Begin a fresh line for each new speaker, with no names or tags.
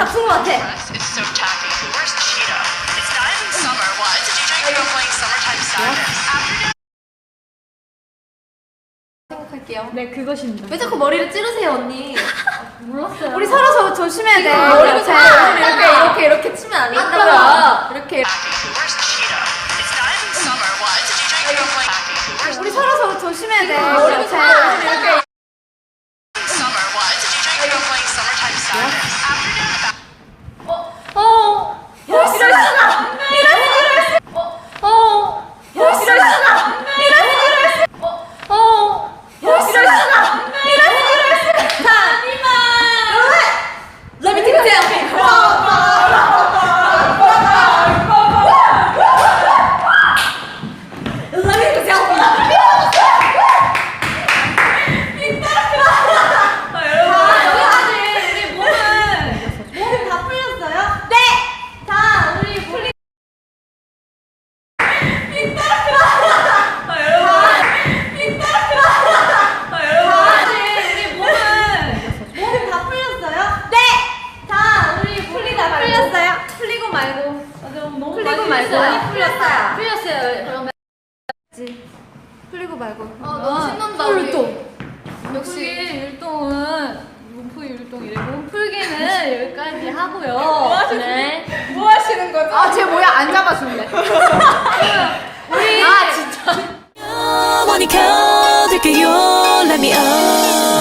잡힌 것 같아.
It's so tacky. Where's Cheetah? It's not even summer. Why is the DJ Hero playing Summertime Sadness? Afternoon.
생각할게요.
네, 그것입니다.
왜 자꾸 머리를 찌르세요, 언니?
몰랐어요.
우리 서로 조심해야 돼.
머리를
이렇게 치면 안 된다고요. 이렇게.
Where's Cheetah? It's not even summer. Why is the DJ Hero playing tacky?
우리 서로 조심해야 돼.
머리를
이렇게.
Summer. Why is the DJ Hero playing Summertime Sadness? Afternoon.
이럴 수가. Let me take it down. Let me take a selfie. 몸 다 풀렸어요? 네! 자, 우리 풀리. 몸 다 풀렸어요? 네! 자, 우리 풀리 다 풀렸어요? 풀리고 말고.
너무
풀리고
많이
말고.
풀렸어요.
풀렸어요.
풀렸어요. 그러면
풀리고 말고.
너무 신난다.
율동.
역시 율동은 몸풀 율동이래. 몸풀기는 여기까지 하고요. 네.
뭐 하시는 거죠?
아, 쟤 뭐야? 안 잡아줄래.
우리.
아, 진짜.
영원히 켜둘게요. Let me up.